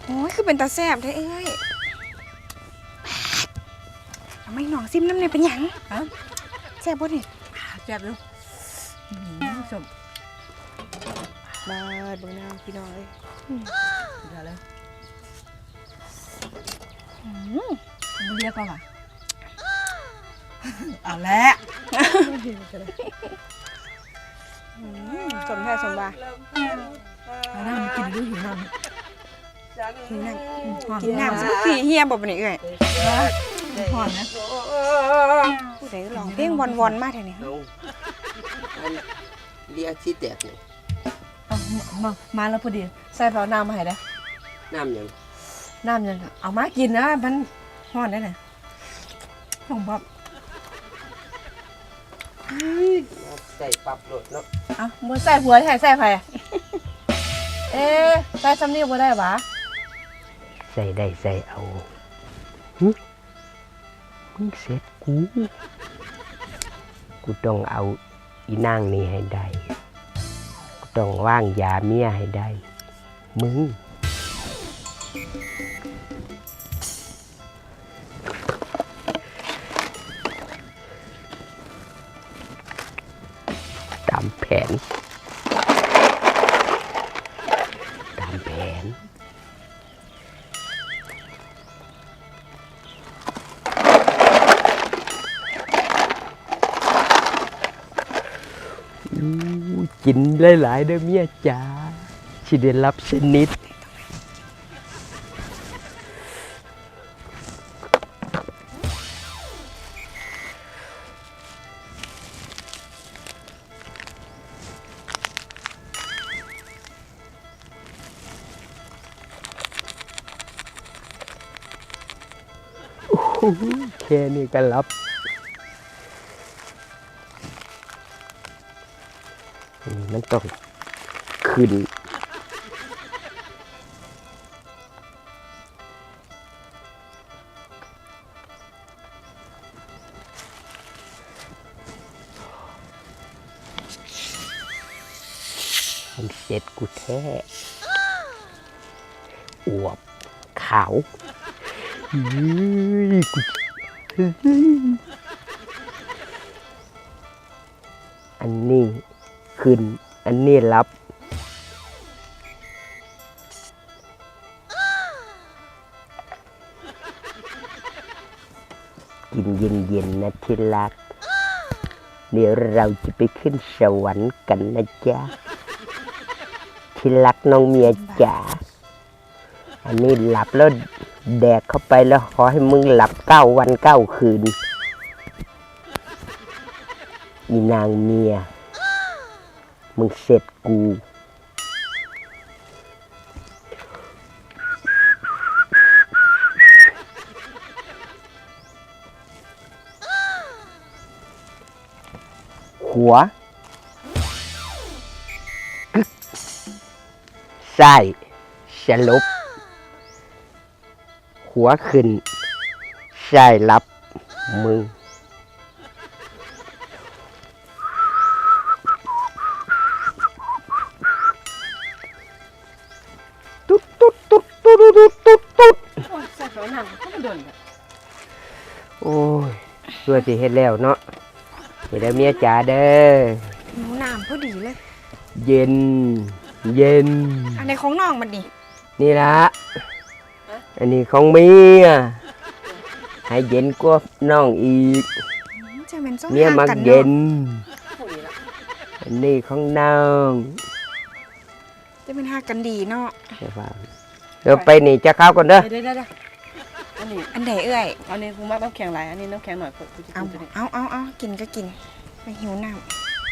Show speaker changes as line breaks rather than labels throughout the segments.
โอ้ยคือเป็นตาแซ่บแท้เอ้ยทำไมหนองซิมน้ำเนี่ยเป็นหยังแซ่บบ่นี่
แซ่บอยู่สม
บาดเบิ่งน้ำพี่น้องเลย
เดี๋ยวเลยมันเรียกว่าเอาแล้ว
สมแท้สมบา
เอาน้ำกินด้วยหิวน้ำ
กินน้ำกินน้ำสักทีเฮียบอกเป็นเอ้ย
หอนนะ
ผู้ใดร้องเพลงวนๆมากเลยเนี่ย
เรียกที่แตกเนี่ย
มาแล้วพอดีใส่เปล่าน้ำมาให้ได้
น้ำยัง
เอามากินนะมันหอนได้ไหนของบ๊อบ
ใส่ปับโหลดเนาะ
มือใส่หัวใส่ไผ่ใส่ซ้ำนี่บ่ได้หวะ
ใส่ได้ใส่เอามึงเสร็จกูต้องเอาอีนางนี่ให้ได้กูต้องว่างยาเมียให้ได้มึงตามแผนกินหลายๆเด้อเมียจ๋าสิได้รับชนิดแค่นี้ก็รับมันต้องขึ้นมันเสร็จกูแท้อวบขาวอันนี้ขึ้นอันนี้รับกินเย็นๆนะที่รักเดี๋ยวเราจะไปขึ้นสวรรค์กันนะจ๊ะที่รักน้องเมียจ๋าอันนี้หลับแล้วแดกเข้าไปแล้วขอให้มึงหลับ9 วัน 9 คืนอีนางเมียมึงเสร็จกูหัวกึกไส้สลบหัวขึ้นไส้รับมึง
ใส่เปล่าน้ำก็ไม่โดน
โอ้ยช่วยสิเฮ็ดแล้วเนาะเดี๋ยวเมียจ๋าเด้อ
หนูน้ำพอดีเลย
เย็น
อันในของน้องมัน
นี่ละอันนี้ของเมียให้เย็นกว่าน้องอีกเมียมักเย็นอันนี้ของน้อง
จะเป็นหากันดีเนาะ
เดี๋ยวไปนี่จะเข้าก่อนเด้อ
อันไหนเอ้ย
อันนี้กูมักน้ำแข็งหลายอันนี้น้ำแข็งหน่อย
เอากินก็กินไปหิวน้ำ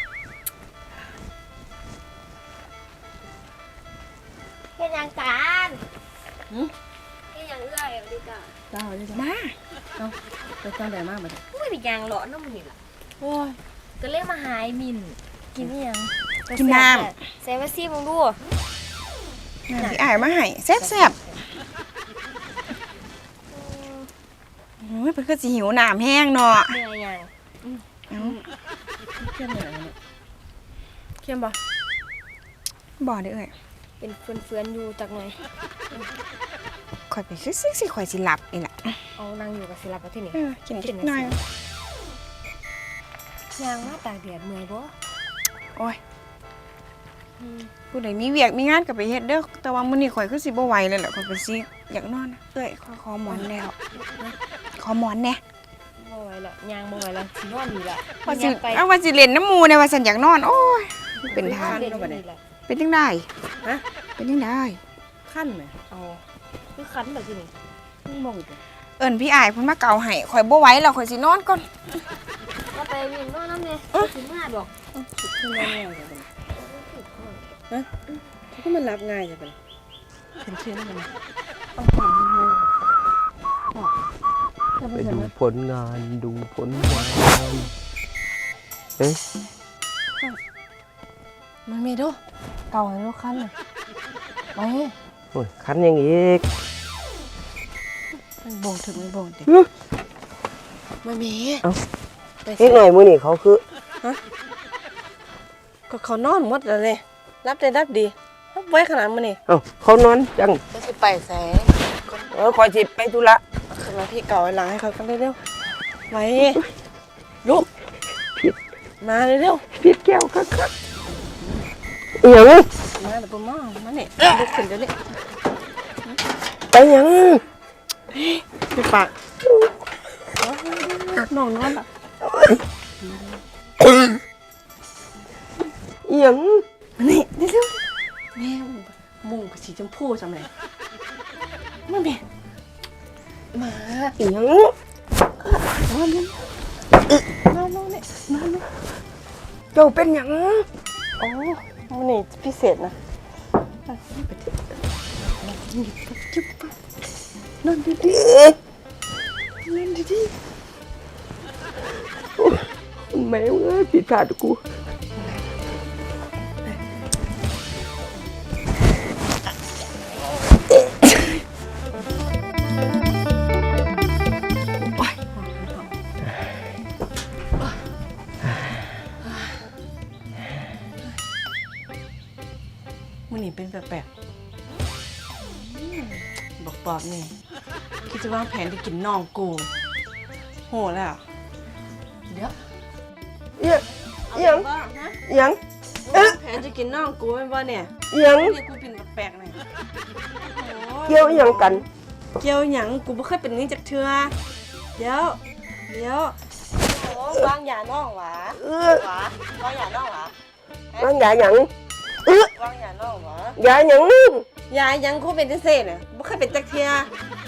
เฮ็ดยังกันเฮ็ดยังเอื้อยดีจ้ะ
จ้าเลยจ้ะ
มา
ไปจ้างใดมากมา
ไม่มียางหลอน้ำมันล่ะ
โอ้ย
ก็เลยมาหายมินกินยัง
กินน้
ำแซ่บซี่มึงดู
น้ำที่อ้ายมาให้แซ่บโอ้ยเพิ่นคือสิหิวน้ำแห้งเนาะ
เหนื่อยยัง
เข้มเลยเข้มบ่
บ่ได้เอ้ย
เป็นเฟื่อนๆอยู่จักหน่อย
ข่อยไปซึกๆสิข่อยสิหลับนี่ล่ะ
เอานางอยู่กับศิลปะที่นี่
กินนิดหน่อย
ยางมาตากแดดเมื่อยบ่
โอ้ยผู้ใดมีเวียกมีงานก็ไปเฮ็ดเด้อแต่ว่ามื้อนี้ข่อยคือสิบ่ไหวเลยแหละข่อยเป็นสิอยากนอนเอ้ยขอหมอนแล้วขอหมอนแหน่
บ่ไหวละยางบ่ไหวละสินอนนี่ละ
ว่าสิเอาว่าสิเล่นน้ำหมู่เนี่ยว่าซั่นอยากนอนโอ้ยเป็นทาง
เล่นนี่ละ
เป็นจังได๋
ฮะ
เป็นจังได๋
ขั้นไหมเอาคือคันแบบที่นี่มึงมองอีก
เอิ้นพี่อ้ายเพิ่นมาเกาให้ข่อยบ่ไหวแล้วข่อยสินอนก่อน
ก็ไปวิ่งนอนน้ำเนี่ยถึงเมื่อดอก
คือแน่ๆเลยฮะเขาก็มันรับง่ายใช่ปะเป็นเชื่อนั่นมันเอาหอมจะ
ไป
ไปเห็น
ดู
ไหม
ผลงานดูผลงานเอ๊ะ
มันมีด้วยเก่าให้ลูกคันเลยไป
โอ้ยคันยังอีก
มันโบงถึงไม่โบงดิไม่มี
เฮ็ดหน่อยมื้อนี้เขาคือ
ก็เขานอนหมดแล้วเลยรับได้รับดีรับไว้ขนาดมันนี่
เอ้าเขานอนจัง
จะสิไปแสง
ข่อยสิไปธุระ
ขึ้นมาที่เก่าไว้หลังให้เขากันเร็วๆไปลุกมาเร็ว
ผิดแก้วคักๆอีหยัง
ๆมาเดี๋ยวผมมาเนี่ยลุกขึ้นเดี๋ยวนี้
ไปหยัง
ปิดปากนอนนอนอ่ะ
อีหยัง
มานี่เร็วๆแม่มุงกับสีชมพูจำเลยมาแม่มา
อีหยัง
นอนเนี่ยนอนเนี่ยนอนเนี่ย
เจ้าเป็นหยัง
โอ้มันนี่พิเศษนะนอนดีๆนอนดี
แม่เอ้ยผิดพลาดกู
ๆมันนี่เป็นแปลกๆบอกปอบนี่คิดจะวางแผนจะกินน้องกูโหแล้วเดี๋ยว
อีหยัง
บ้างฮะ
อีหยัง
วางแผนจะกินน้องกูเป็นบ่เนี่ย
อีหยัง
นี่กูเป็นแปลกๆหน่อย
เกี่ยวอีหยังกัน
เกี่ยวหยังกูไม่เคยเป็นนี้จากเธอเดี๋ยววางยาน้องหวาหวาวางยาน้องหวา
มันยาหยัง
วางยาน้องหวาย
าหยัง
ยายังกูเป็นจังเซ่น่ะไม่เคยเป็นจากเธอ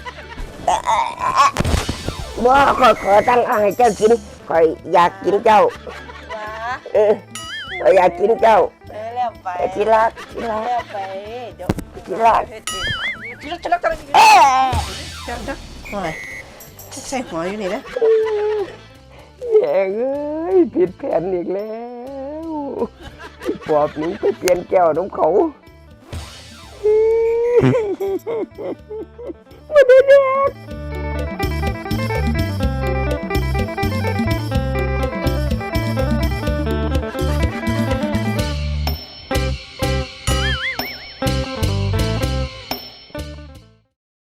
บ่ขอตั้งอาให้เจ้ากินข่อยอยากกินเจ้า
หวา
ข่อยอยากกินเจ้า
แล้วไป
ไอ้ที่รัก
แล้วไปเดี๋ยว
ที่รัก
ที่รักเดี๋ยวหอยใส่หัวอยู่นี่นะ
แย่เอ้ยผิดแผนอีกแล้วปอบนี้ไปเปลี่ยนแก้วน้ำเขาไม่ได้แดก